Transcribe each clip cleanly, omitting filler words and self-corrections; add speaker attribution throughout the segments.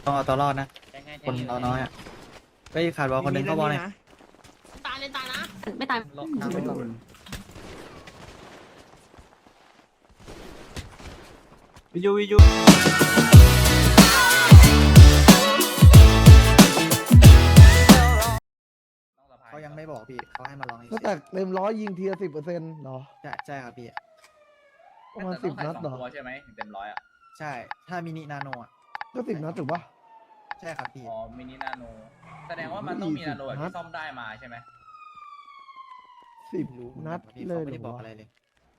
Speaker 1: ต้องเอาตัวรอดนะคนเราน้อยอ่ะไปขาดบอลคนหนึ่งเข้าบอลเลย
Speaker 2: ตายเลยตายนะ
Speaker 3: ไม่ตาย
Speaker 4: วิจูวิจู
Speaker 1: เขายังไม่บอกพี่เขาให้มาลอง
Speaker 5: ก็แต่เต็ม100ยิงทีละ10%เหรอ
Speaker 1: ใช่ครับพี่
Speaker 5: ประมาณ10 นัดเหรอ
Speaker 6: ตัวใช่ไหมถึงเต็มร้อยอ่ะ
Speaker 1: ใช่ถ้ามินินาโนอ่ะ
Speaker 5: ก็10 นัดถูกปะ
Speaker 1: ใช่ครับพี่
Speaker 6: อ๋อมินินาโนแสดงว่ามันต้องมีนาโนแบบที่ซ่อมได้มาใช่ไหม
Speaker 5: 10 นัด
Speaker 1: พี่
Speaker 5: เล
Speaker 1: เขา
Speaker 5: ย
Speaker 1: ไม่
Speaker 5: เห
Speaker 1: ได้
Speaker 5: ร
Speaker 1: บอ
Speaker 5: อก
Speaker 1: อะไรเลย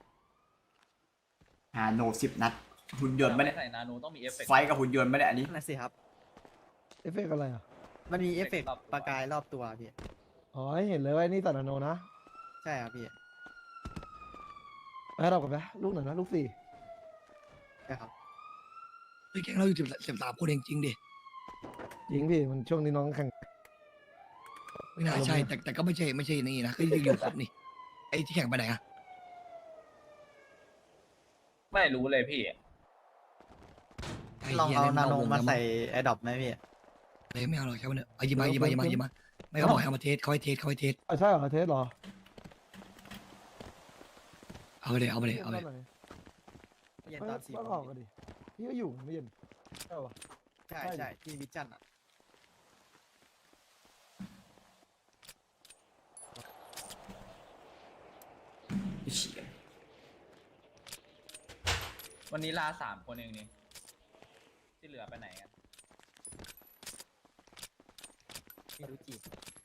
Speaker 7: โน10 นัดหุ่นยนต์ไม่ได้
Speaker 6: ใส่นาโนต้องมีเอฟเฟกต์
Speaker 7: ไฟกับหุ่นยนต์ไม่ได้อันนี้
Speaker 1: นั่นสิครับ
Speaker 5: เอฟเฟกต์อะไรอ่ะ
Speaker 1: มันมีเอฟเฟกต์ประกายรอบตัวพี่
Speaker 5: อ๋อให้เห็นเลยว่านี่ตัดนาโนนะ
Speaker 1: ใช่ครับพี่
Speaker 5: ไปเรากันไหมลูกไหนนะลูก4
Speaker 1: ใช่ครับ
Speaker 4: พี่แกงเราอยู่13 คนเองจริงดิ
Speaker 5: ยิงพี่มันช่วงนี้น้องแข่ง
Speaker 4: ไม่น่าใช่แต่ก็ไม่ใช่นี่นะก็ยังอยู่ครบนี่ไอ้ที่แข่งไปไหนอะ
Speaker 6: ไม่รู้เลยพี่
Speaker 4: ไอ้
Speaker 1: ลอง
Speaker 4: หี้ย
Speaker 1: เอา
Speaker 4: ล่
Speaker 1: นาโน
Speaker 4: วง
Speaker 1: มา
Speaker 4: แล้ว
Speaker 1: ใส่แอร์ดรอปไหมพี่
Speaker 4: เลยไม่เอาหรอกใช่ไหมเนี่ยเอายิงมาไม่เขาบอกให้เอามาเทสเขาให้เทส
Speaker 5: ใช่เหรอเทสเหรอ
Speaker 4: เอาไปเลย
Speaker 1: เย็นตอน4
Speaker 5: ก็
Speaker 1: โม
Speaker 5: ออง กกันดิพี่ก็อยู่ไม่เย็นใช่ปะ
Speaker 1: ใช่ที่วิจันอ่ะ
Speaker 7: ฉีกกัน
Speaker 6: วันนี้ลา3 คนเองนี่ที่เหลือไปไหนกัน
Speaker 1: พี่รู้จีบ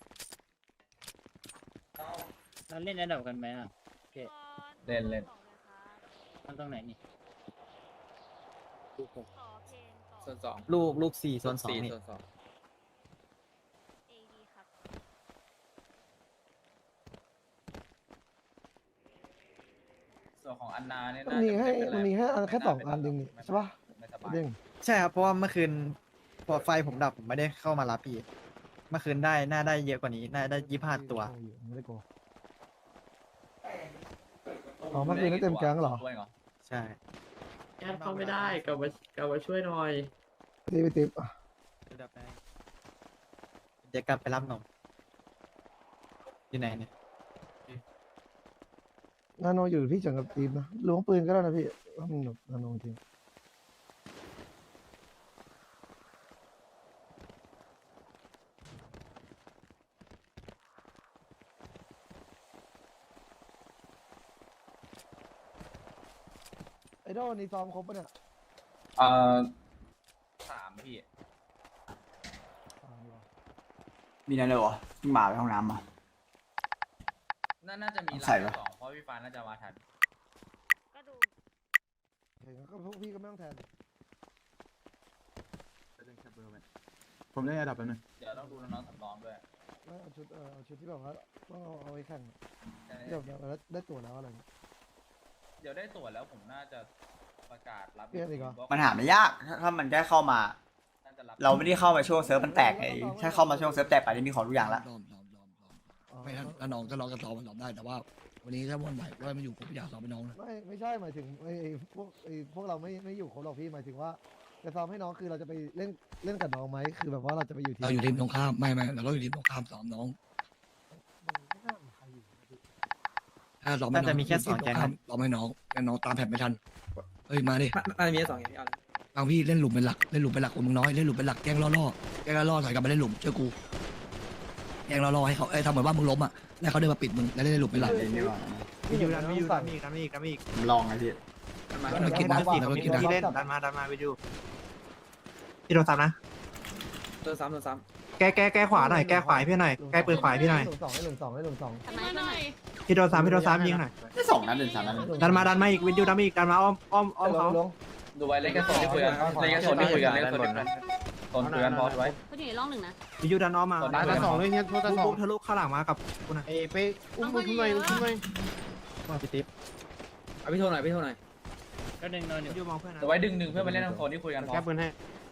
Speaker 8: เราเล่นระดับกันไหมอ่ะ
Speaker 6: เล่น
Speaker 8: มันตรงไหนนี่
Speaker 6: ส่วน2
Speaker 1: ลูก4 ส่วน 2นี่
Speaker 6: ส่วน2ส่วนของอันนาเนี่ย
Speaker 5: มันมีให้แค่2 อันเองนี่ใช่ปะ
Speaker 6: ไม่สบาย
Speaker 5: เด้ง
Speaker 1: ใช่ครับเพราะว่าเมื่อคืนพอไฟผมดับผมไม่ได้เข้ามารับพี่เมื่อคืนได้น่าได้เยอะกว่านี้น่าได้25 ตัว
Speaker 5: ไม่ได้โกอ๋อเมื่อคืนได้เต็มแก๊งเหรอ
Speaker 6: ด้วยเหรอ
Speaker 1: ใช่
Speaker 8: แอดเข้าไม่ได้กลับมาช่วยหน่อย
Speaker 5: ตีไปติ๊บอ่ะ
Speaker 1: เดี๋ยวกลับไปรับนมอยู่ไหนเนี่ย
Speaker 5: นาโนอยู่พี่เฉิงกับตีบนะล้วงปืนก็ได้นะพี่ว่ามันแบบนาโนจริงไอดอลนี่ซ้อมครบปะเนี่ย
Speaker 6: เอ่อ3พี่
Speaker 7: มีนาโนเหรอเพิ่งมาไปห้องน้ำมา
Speaker 6: น่าจะมี
Speaker 7: ใส่
Speaker 6: ลา
Speaker 7: ปะ
Speaker 6: 2เพราะพี่ฟ้าน่าจะมาทัน
Speaker 5: เห็นก็พวกพี่ก็ไม่ต้องแทน
Speaker 9: ผมเล่นระดับแป๊บนึง
Speaker 6: เดี๋ยวต้องดูน้องๆสำรองด้วย
Speaker 5: ไม่เอาชุดที่แบบว่าต้องเอาไว้แข่งเดี๋ยวได้ตั๋วแล้วอะไร
Speaker 6: เดี๋ยวได้ตั๋วแล้วผมน่าจะประกาศรับ
Speaker 5: เปลี่ยนอีกเหรอ
Speaker 7: มันหาไม่ยากถ้ามันแค่เข้ามา
Speaker 6: น่าจะรับ
Speaker 7: เราไม่ได้เข้ามาช่วงเซิร์ฟมันแตกไงถ้าเข้ามาช่วงเซิร์ฟแตกไปนี่มีของทุกอย่างละ
Speaker 4: ไม่ถ้าน้องก็ลองกันซ้อมมันซ้อมได้แต่ว่า วันนี้ถ้าวันไหนว่ามันอยู่ผมอยากซ้อมเป็นน้องนะ
Speaker 5: ไม่ใช่หมายถึงพวกเราไม่อยู่ครบหรอกพี่หมายถึงว่าจะซ้อมให้น้องคือเราจะไปเล่นกับน้องไหมคือแบบว่าเราจะไปอยู่ทีม
Speaker 4: เราอยู่ทีมตรงข้ามไม่เราอยู่ทีมตรงข้ามซ้อมน้องถ้าซ้อมไม่น้อง
Speaker 1: น่าจะมีแค่2 แก๊ง
Speaker 4: ซ้อมให้น้องแล้วน้องตามแผนไม่ทันเฮ้ยมาดิ
Speaker 8: มันมี2 อย่างที่เอา
Speaker 4: บางพี่เล่นหลุมเป็นหลักคนมึงน้อยเล่นหลุมเป็นหลักแกล้งล่อถอยกลับมาเล่นหลุมเชื่อกูแกล้งล่อให้เขาทำเหมือนว่ามึงล้มอ่ะแล้วเขาเดินมาปิดมึงแล้วเล่นหลุมเป็นหลัก
Speaker 7: เล่นดีกว่า
Speaker 1: มีอยู่ดันมีอีก
Speaker 7: ผมลองไงพี่
Speaker 4: มันกินนะ
Speaker 1: ที่เล่นดันมาไปดูพี่โดนซ้ำนะ
Speaker 8: ตัวซ้ำ
Speaker 1: แก้ขวาหน่อยแก้ขวาพี่หน่อยแก้ปืนขวาพี่หน่อย
Speaker 5: ให้หนึ่งสอง
Speaker 3: ทำไมหน่อย
Speaker 1: พี่โดนซ้ำยิงหน่อย
Speaker 7: ได้2 นัดหรือ3 นัด
Speaker 1: ดันมาอีกวินดิวดันมาอีกดันมาอ้อมเขา
Speaker 6: ดูไว้เล่นแค่โซนที่คุยกันเล่นแค่โซนที่คุยกันเล่นโซนที่คุยกันโซนคุยกันพอไว้
Speaker 3: เขาอยู่ในร่องหนึ่งนะ
Speaker 1: วินดิวดันอ้อมมา
Speaker 6: ดันมา2เลยเนี่ย
Speaker 1: ปุ๊บทะลุข้างหลังมากับคุณนะ
Speaker 2: ไปอุ้มหน่อย
Speaker 1: มาพี่ติ๊บ
Speaker 8: เอาพี่โทรหน่อยก็ดึงนอนอยู่
Speaker 1: วินดิวมองเพื่อนนะ
Speaker 6: ดูไว้ดึงเพื่อมาเล่นทางโซนที่คุยกันพอ
Speaker 1: แก้ปืนให้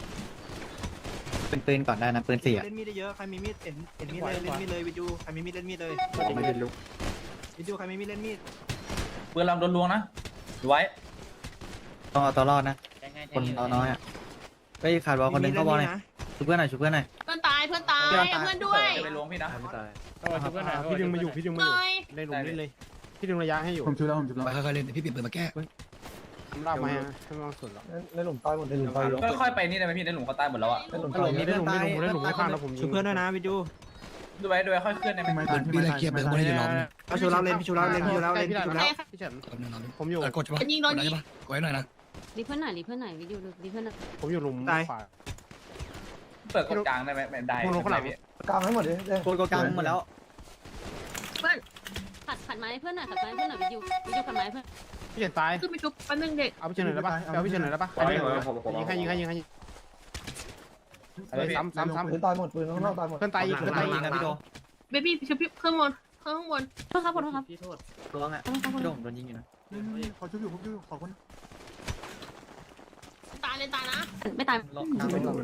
Speaker 1: ปืนก่อนได้นะปืน4เล่นมีดได้เยอะใครมีมีดเห็นมีดเลยเล่นมีดเลยวินดิวใครมีมีดเล่นมีดเลย
Speaker 7: ไม่ได้ลุก
Speaker 1: วินดิวใครมีมีดเล่นมีด
Speaker 6: ปืนลำโดนลวงนะดูไว้
Speaker 1: ต้องเอาตัวรอดนะคนเราน้อยอ่ะไปขาดบอลคนหนึ่งเข้าบอลเลยชุบเพื่อนหน่อยชุบเพื่อนหน่อย
Speaker 2: เพื่อนตายเพื่อนตาย
Speaker 1: เพื่อนตาย
Speaker 2: เพื่อนด้วย
Speaker 6: จะไปล้วงพี่นะ
Speaker 10: พี่ดึงมาอยู่พี่ดึงมาอยู่
Speaker 2: หน่อย
Speaker 10: เล่นหลุมเล่นเลยพี่ดึงระยะให้อยู่
Speaker 9: ผมชุบแล้วผมชุบแล้ว
Speaker 4: ไปค่อยๆเล่นเดี๋ยวพี่เปลี่ยนปืนมาแก้
Speaker 10: ทำรอบมาให้ไม่ต้องสนหรอก
Speaker 5: ในหลุมตายหมดในหลุมตายหมด
Speaker 6: ค่อยๆไปนี่ได้ไหมพี่ในหลุมเขาตายหมดแล้วอ่ะ
Speaker 5: ในหลุม
Speaker 1: ฮั
Speaker 5: ตา
Speaker 1: ลโหล
Speaker 5: ย
Speaker 1: มี
Speaker 10: เล่
Speaker 1: เพื่
Speaker 10: น
Speaker 1: อน
Speaker 10: หลุม
Speaker 1: ตาย
Speaker 10: เล่นหลุมข้างแล้วผมยิง
Speaker 8: เพื่อนด้วยนะวิจู
Speaker 6: ดูไว้ค่อยขึ้นได้ไหม
Speaker 9: ไม่ตาย
Speaker 4: พี่ไล่เคลียร์เบรกบนให้อยู่รอบนึง
Speaker 8: พี่ชูเราเล่นพี่ชูเราเล่นพี่ชูเราเล่นพี่ชูเรา
Speaker 10: พี่เฉิน
Speaker 4: รอบนึงรอบนึง
Speaker 10: ผมอยู่
Speaker 4: กดใช่ปะ
Speaker 2: ยิงโดน
Speaker 4: กดได้
Speaker 2: ยิง
Speaker 4: ปะกดให้หน่อยนะ
Speaker 3: รีเพื่อนหน่อยรีเพื่อนหน่อยวิดีโอรีเพื่อนหน่อย
Speaker 10: ผมอยู่หลุมขวา
Speaker 6: เปิดกดกลางได้ไหมไม่ได้
Speaker 10: มึงลงข้างหลัง
Speaker 6: พี่
Speaker 5: กลางให้หมดเลย
Speaker 1: โกดกลางหมดแล้ว
Speaker 3: ขัดไม้ให้เพื่อนหน่อยขัดไม้ให้เพื่อนหน่อยวิดีโอขัดไม้ให้เพื่อน
Speaker 10: พี่เฉินตาย
Speaker 2: ขึ้นไปชุบแป๊บนึงเด็ก
Speaker 10: เอาพี่เฉินหน่อยได้ปะเอาพี่เฉินหน่อยได้ปะยิงให้ซ้ำ
Speaker 5: ปืนตายหมดปืนข้างนอกตายหมด
Speaker 10: เพื่อนตายอีก
Speaker 1: เพื่อนตายยิงนะพี่โด
Speaker 2: เบบี้ชุบเครื่องบนเครื่องข้างบน
Speaker 3: โทษครับขอโทษครับ
Speaker 1: ล้วงอ่ะพี่โดผมโดนยิงอยู่นะ
Speaker 9: ขอชุบอยู่ผมชุบอยู่ขอคน
Speaker 2: ตายเลยตายนะ
Speaker 3: ไม่ตาย
Speaker 1: ล็อกกลางไม่ล็อก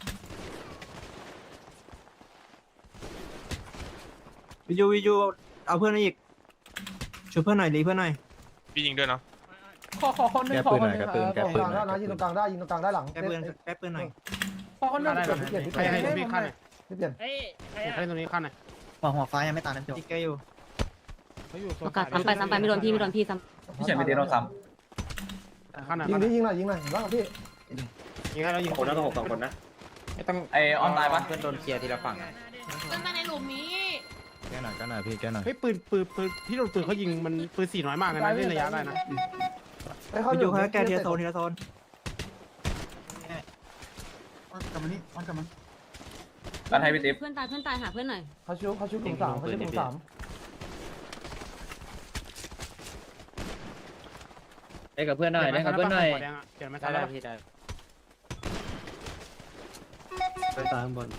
Speaker 8: วิจูเอาเพื่อนอีกช่วยเพื่อนหน่อยรีเพื่อนหน่อย
Speaker 11: พี่ยิงด้วยเนาะ
Speaker 6: ขอคนนึงขอคนนึง
Speaker 5: ตรงกลางได้นะยิงตรงกลางได้ยิงตรงกลางได้หลัง
Speaker 8: แก้เพื่อนหน่อย
Speaker 6: ขอคนนึง
Speaker 10: ได้ใครให้พี่ขั้นหน่อย
Speaker 5: ไม่เปลี่ยน
Speaker 10: ให้ตรงนี้ขั้นหน่อย
Speaker 1: หัวฟ้ายังไม่ตายนะพี่โด
Speaker 8: อีกแกอยู่
Speaker 10: เขาอยู่
Speaker 3: โอกาสซ้ำไปไม่โดนพี่ซ้
Speaker 6: พี่เฉียนไปเดนเราซ้
Speaker 10: ขั้นหน่อย
Speaker 5: ยิงดิยิงหน่อยยิงหน่อยเห็นป่ะพี่
Speaker 10: ยิงให้เรายิง
Speaker 8: คนละต้อง2 คนนะไม่ต้อง
Speaker 6: ำไอออนตายปะ
Speaker 8: เพื่อนโดนเคลียร์ทีละฝั่ง
Speaker 2: เพื่อนตายในหลุมนี้
Speaker 9: แก้หน่อยแก้หน่อยพี่แก้หน่อย
Speaker 10: เฮ้ยปืนพี่โดนปืนเขายิงมันปืน4น้อยมากเลยนะเล่นระยะได้นะ
Speaker 8: วิจูเขาแก้ทีละโซนทีละโซน
Speaker 9: กลับมานี่กลับมา
Speaker 6: กันให้พี่ติ๊บ
Speaker 3: ำเพื่อนตายหาเพื่อนหน่อย
Speaker 5: เขาชุบกลุ่มสามเขาชุบกลุ่มสาม
Speaker 8: ได้กับเพื่อนหน่อยได้กับเพื่อนหน่อย
Speaker 10: เปลี่ยนไม่ทันแล้ว
Speaker 8: พี่ได้
Speaker 1: ไปตายข้างบน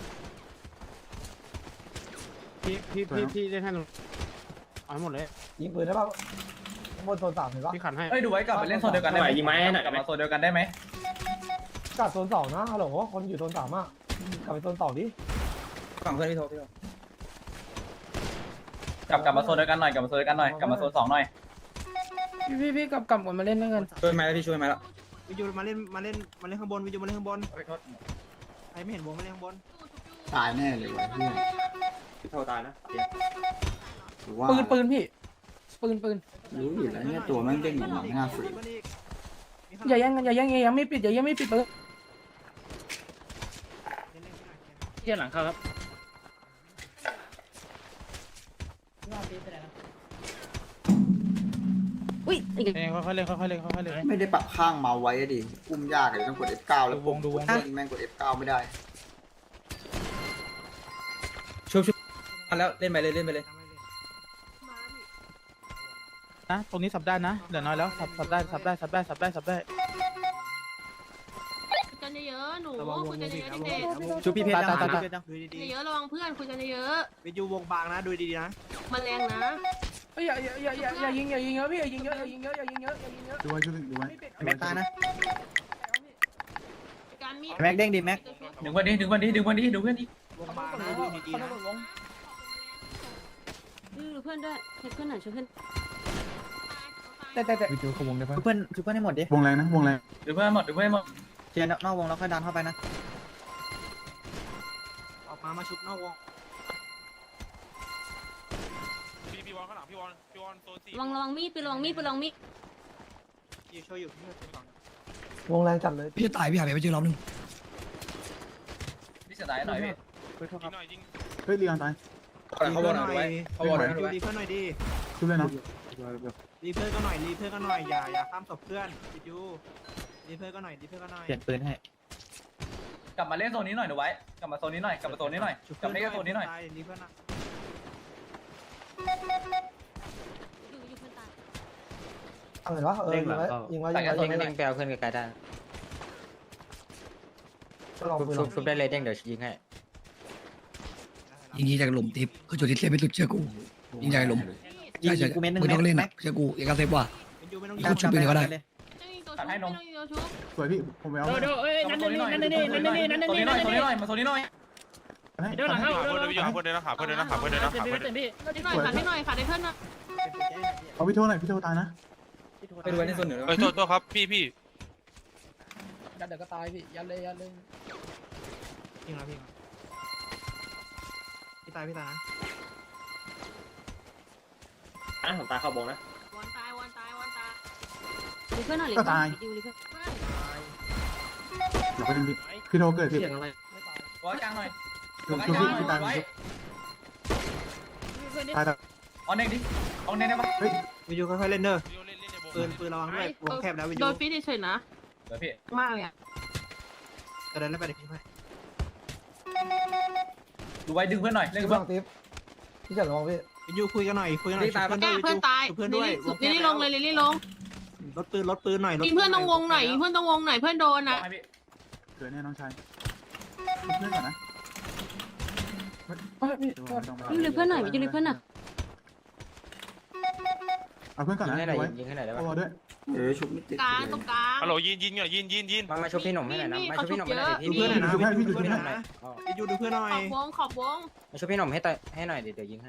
Speaker 10: พี่เล่นให้เอาให้หมดเลย
Speaker 5: ยิงปืนได้ป่ะบนโซนสามเห็นป่ะ
Speaker 10: พี่ขันให้
Speaker 6: เอ้ยดูไว้กลับไปเล่นโซนเดียวกันได้ไหมยิงไม้หน่อยกลับมาโซนเดียวกันได้ไหม
Speaker 5: กัดโซนสองนะฮัลโหลคนอยู่โซนสามอ่ะกลับไปโซนสองดิ
Speaker 8: ฝั่งเพื่อนพี่โท
Speaker 6: กลับมาโซนเดียวกันหน่อยกลับมาโซนเดียวกันหน่อยกลับมาโซน2หน่อย
Speaker 8: พี่กลับก่อนมาเล่นด้วยกันช่วยไหมแล้วพี่ช่วยไหมแล้ววิจูมาเล่นข้างบนวิจูมาเล่นข้างบนใครไม่เห็นวงมาเล่นข้างบน
Speaker 7: ตายแน่เลยวะเนี่ย
Speaker 8: พี่โทตายนะ
Speaker 7: หรือว่า
Speaker 8: ปืนพี่ปืน
Speaker 7: รู้อยู่แล้วเนี่ยตัวแม่งเด้งเหมือนหนังหน้าฝืน
Speaker 8: อย่ายังไม่ปิดปืนเที่ยหลังเขาครับ
Speaker 3: อุ้ยอีก
Speaker 10: ค่อยๆเล่นค่อยๆเล่นค่อยๆเล่น
Speaker 7: ไม่ได้ปรับข้างเมาส์ไว้อะดิอุ้มยากเลยต้องกด F9 แล้ววงดูวงแม่งกด F9 ไม่ได้
Speaker 8: ชุบแล้วเล่นไปเลย
Speaker 10: นะตรงนี้สับได้นะเหลือน้อยแล้วสับได้
Speaker 2: คุยกันเยอะๆหนูคุยกันเยอะๆเด็ก
Speaker 1: ชุบพี่เพชรยังชุบพี่เพชรยัง
Speaker 2: ๆเยอะๆระวังเพื่อนคุยกันเยอะ
Speaker 8: วิจูวงบางนะดูดีๆนะ
Speaker 2: ๆมันแรงนะ
Speaker 8: อย่ายิงเยอะพี่อย่ายิงเยอะ
Speaker 9: ดูไว้ดูไว้
Speaker 1: แม็กตายนะ
Speaker 2: การมี
Speaker 1: แม็กเด้งดิแม็ก
Speaker 6: ดึงวันนี้ดูเพื่อนดิ
Speaker 8: วงบางนะดูดีๆนะ
Speaker 3: ดูเพื่อนด้วยเพื่อนหน่อยช่วยเพื่อน
Speaker 9: วิจูเขาวงได้ปะ
Speaker 1: ชุบเพื่อนให้หมดดิ
Speaker 9: วงแรงนะวงแรง
Speaker 6: ดูเพื่อนหมด
Speaker 1: เคลียร์นอกวงแล้วค่อยดันเข้าไปนะ
Speaker 8: ออกมาชุบนอกวง
Speaker 11: พี่วอนข้างหลังพี่วอนโซน4
Speaker 3: ระวังมีดปืนระวังมีด
Speaker 8: อยู่ช่วยอยู่
Speaker 5: วงแรงจัดเลย
Speaker 4: พี่จะตายพี่หายไปเจอรอบนึง
Speaker 6: พี่เสียดายหน่อยพี่
Speaker 11: ยิงหน่อยยิง
Speaker 9: เฮ้ยเรียนตาย
Speaker 8: เขาบอกหน่อยเขาบอกหน่อยดีเพื่อนหน่อยดี
Speaker 9: ชุบเลยเนาะ
Speaker 8: รีเพื่อนก็หน่อยอย่าข้ามศพเพื่อนวิจูรีเพื่อนก็หน่อย
Speaker 1: เปลี่ยนปืนให้
Speaker 6: กลับมาเล่นโซนนี้หน่อยดูไว้กลับมาโซนนี้หน่อยกลับมาโซนนี้หน่อยกลับมาเล่นโซนนี้หน่อย
Speaker 8: รีเพื่อนนะ
Speaker 3: อยู่เพื่อนตาย
Speaker 5: เห็นป่ะยิงไว้ยิงไว้ยิงไว้ยิงไว้
Speaker 8: เด้งไปเอาเพื่อนไกลๆได้
Speaker 5: ลองปืนลอง
Speaker 8: ชุบได้เลยเด้งเดี๋ยวยิงให้
Speaker 4: ยิงจากหลุมทิพย์คือจุดที่เซฟไปสุดเชื่อกูยิงจากหลุม
Speaker 1: ยิง
Speaker 4: ใช่
Speaker 1: กูเม็ดนึง
Speaker 4: มึงต้องเล่น
Speaker 1: แม็
Speaker 4: อ่ะ
Speaker 1: ก
Speaker 4: เชื่อกูอย่ากระเซฟว่ะ
Speaker 8: วิจูไม่ต้อง
Speaker 4: เขาชุบปืนก็ได้
Speaker 6: ตัดให้นม
Speaker 9: สวยพี่ผมไปเอา
Speaker 6: นั่นนี่โซนนี้หน่อยมาโซนนี้หน่อย
Speaker 11: เดินหลังเข้าเดินหาเพื่อนเดินหาเพื่อนขาดให้หน่อย
Speaker 2: ขาดให้เพื่อนนะ
Speaker 9: เอาพี่โทหน่อยพี่โทตายนะ
Speaker 8: ไปดูในส่วนเหนือ
Speaker 11: โทษครับพี่
Speaker 8: ยัดเดี๋ยวก็ตายพี่ยัดเลยพี่นะพี่ตายนะ
Speaker 6: ผมตายเข้าวงนะ
Speaker 2: วันตาย
Speaker 3: รีเพื่อนหน่อยรี
Speaker 9: ก็
Speaker 3: เพื่อน
Speaker 9: ตาย
Speaker 3: ดิวรีเพื่อน
Speaker 9: เดี๋ยวไปดึงพี่โทรเกิดพี่
Speaker 6: ไว้กลางหน่อย
Speaker 9: คือพี่ตาย
Speaker 6: ไว้
Speaker 9: ตายแต่
Speaker 6: เอาเน่งดิเอาเน่งได้ปะ
Speaker 9: เฮ้ย
Speaker 8: วิจูค่อยๆเล่นเด้อ
Speaker 11: วิวเล่นในวง
Speaker 8: ปืนระวังด้วยวงแคบแล้ววิจู
Speaker 2: โดนฟีดเฉยๆนะ
Speaker 6: เดี๋ยวพี่
Speaker 2: มากเลยอะ
Speaker 8: กระเด็นแล้วไปเด็กพี่ไป
Speaker 6: ดูไว้ดึงเพื่อนหน่อยเล่น
Speaker 5: พี่
Speaker 6: กับ
Speaker 5: บั
Speaker 6: เพื่อน
Speaker 5: งติ๊บพี่เฉินระวังพี่
Speaker 8: วิจูคุยกันหน่อย
Speaker 2: แก้เพื่อนตาย
Speaker 8: เพื่อนด้วย
Speaker 2: ลิลลี่ลงเลยลิลลี่ลง
Speaker 8: รถปืนหน่อย
Speaker 2: ยิงเพื่อนตรงวงหน่อยยิงเพื่อนตรงวงหน่อยเพื่อนโดนนะ
Speaker 6: ให้พี่
Speaker 9: เกิดแน่น้องชายเพื่อนก่อนนะ
Speaker 3: ดิวรีเพื่อนหน่อยดิวรีเพื่อนหน่อย
Speaker 9: เอาเพื่อนก่อนนะไว้
Speaker 6: ยิงให้ไหนได้
Speaker 9: เอา
Speaker 6: ปะ
Speaker 9: ด้วย
Speaker 7: ชุบไม่ติด
Speaker 2: กลางตรงกลาง
Speaker 11: ฮัลโหลยินหน่อยยิน
Speaker 6: มาช่วยพี่หนุ่มให้หน่อยนะมาช่วยพี่หนุ่มให้หน่อย
Speaker 8: ดูเพื่อนหน่อยนะวิจูดูเพื่อนหน่อ
Speaker 2: ข
Speaker 8: ย
Speaker 2: อบวง
Speaker 6: มาช่วยพี่หนุ่มให้หน่อยเดี๋ยวยิงให้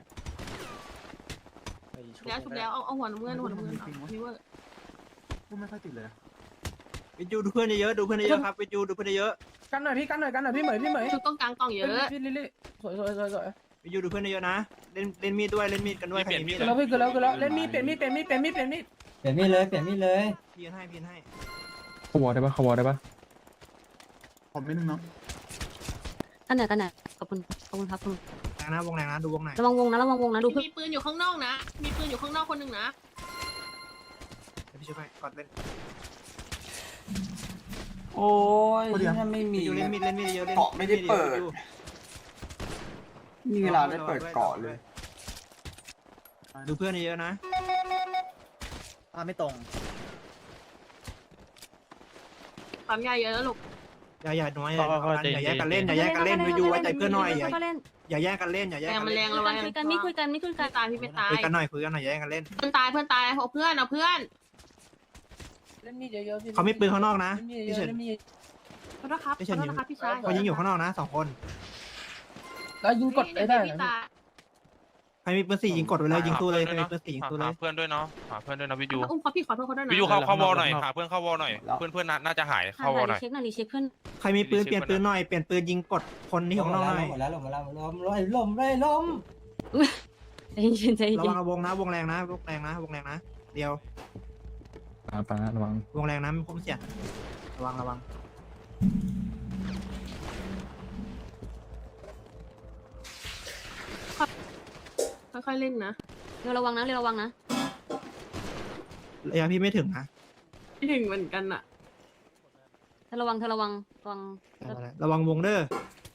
Speaker 2: แล้วชุบแล้วเอาหัวน้ำเงินนี่เว้ย
Speaker 9: พูดไม่ค่อยติดเลย
Speaker 8: วิจูดูเพื่อนเยอะครับวิจูดูเพื่อนเยอะ
Speaker 10: กันหน่อยพี่เหมย
Speaker 2: ชุบต้องกลางกล่องเยอะ
Speaker 10: พี่ลิลี่สวย
Speaker 8: วิจูดูเพื่อนเยอะนะเล่นมีดด้วยเล่นมีดกันด้วยใครมีมีด
Speaker 10: แล้วพี่คือแล้วเล่นมีดเปลี่ยนมีด
Speaker 1: เปลี่ยนมีดเลย
Speaker 8: พี่ให้
Speaker 10: ขวอได้ปะ
Speaker 9: ผมไม่นึงเนาะ
Speaker 3: กันไหนขอบคุณครับคุณ
Speaker 8: วงแรงนะดูวงไหน
Speaker 3: ระวังวงนะดูเพื่อน
Speaker 2: มีปืนอยู่ข้างนอกนะมีปืนอยู่ข้างนอกคนหนึ่งนะ
Speaker 8: พี่ช่วยกดเล่น
Speaker 7: โอ้ยถ้าไม่มี
Speaker 8: วิจูเล่นมีดเยอะเล่น
Speaker 7: เกาะไม่ได้เปิดมีเวลาได้เปิดเกาะเลย
Speaker 8: ดูเพื่อนเยอะนะ
Speaker 1: ไม่ตรง
Speaker 2: ปั๊มยาเยอะแล้วลูก
Speaker 8: อย่าน้อยอย่าแยกกันเล่นวิจูไว้ใจเพื่อนหน่อยอย่าแยกกันเล่น
Speaker 2: แรงมันแรงระวัง
Speaker 3: คุยกันไม่คุยกัน
Speaker 2: ตายพี่ไม่ตาย
Speaker 8: คุยกันหน่อยอย่าแยกกันเล่น
Speaker 2: เพื่อนตายเอาเพื่อน
Speaker 10: เล่นมีดเยอะๆพี่
Speaker 8: เขามีปืนข้างนอกนะพี่เฉิน
Speaker 2: ขอโทษครับพี่ชาย
Speaker 8: เขายิงอยู่ข้างนอกนะ2 คน
Speaker 10: แล้วยิงกดได้
Speaker 8: ใครมีปืน4ยิงกดไปเลยยิงตู้เลยใครมีปืน4ยิงตู้เล
Speaker 11: หาย เพื่อนด้วยเนาะหาเพื่อนด้วยนะวิว
Speaker 2: อุ้มเขาพี่ขอโทษเขาด้วยนะ
Speaker 11: วิวเข้าวอลหน่อยหาเพื่อนเข้าวอลหน่อยเพื่อนน่าจะหายเข้าวอลหน่อย
Speaker 3: เช็คหน่อยรีเช็คเพื่อน
Speaker 8: ใครมีปืนเปลี่ยนปืนหน่อยเปลี่ยนปืนยิงกดคนที่ข้างนอกหน่อย
Speaker 3: ล้มใจเย็น
Speaker 8: ระวังวงนะวงแรงนะเดียว
Speaker 10: ปาระวัง
Speaker 8: วงแรงนะมีคมเสียระวัง
Speaker 2: ค่อยๆเล่นนะ
Speaker 3: เร็วระวังนะ
Speaker 8: ระยะพี่ไม่ถึงนะ
Speaker 2: ไม่ถึงเหมือนกันอะ
Speaker 3: เธอระวัง
Speaker 8: ระวังวงเด้อ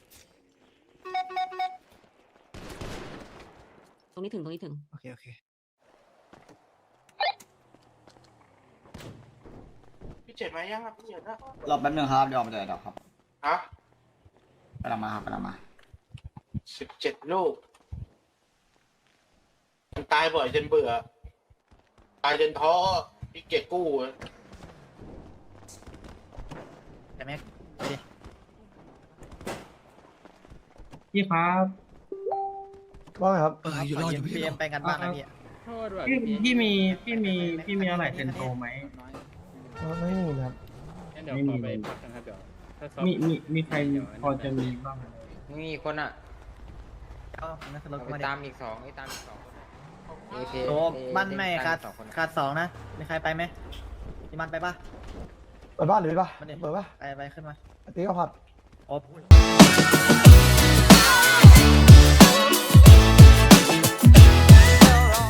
Speaker 3: ตรงนี้ถึง
Speaker 8: โอเค
Speaker 11: พี่เจ็ดมายังครับพี่เจ็ดนะ
Speaker 7: รอแป๊บนึงครับเดี๋ยวออกมาจากดอกครับ
Speaker 11: ฮะ
Speaker 7: กำลังมาครับกำลังมา
Speaker 11: 17 ลูกมันตายบ่อยจนเบื่อตายจนท้อพี่เกียจกู้
Speaker 1: แต่แม็ก
Speaker 8: พี่ครับ
Speaker 5: ว่าไงครับ
Speaker 4: อยู่รอดอยู่
Speaker 1: พี
Speaker 4: พี่
Speaker 1: เอ็มไปกันบ้างนะพี่
Speaker 8: พี่มีอะไรเซนโตไหม
Speaker 5: ไม่มีนะครับ
Speaker 8: ไม่มีเลยมีใครพอจะมีบ้าง
Speaker 6: มีคนอ่ะ
Speaker 1: เอานักสนุก
Speaker 6: ไป
Speaker 1: มา
Speaker 6: ตามอีก2โอเค
Speaker 1: โอ้มันไม่ขาดสองนะมีใครไปไหมพี่มันไปปะ
Speaker 5: เปิดบ้านหรือไปปะ
Speaker 1: มันเด็
Speaker 5: เปิดปะ
Speaker 1: ไปขึ้นมา
Speaker 5: ตีก็ผัด
Speaker 1: โอ้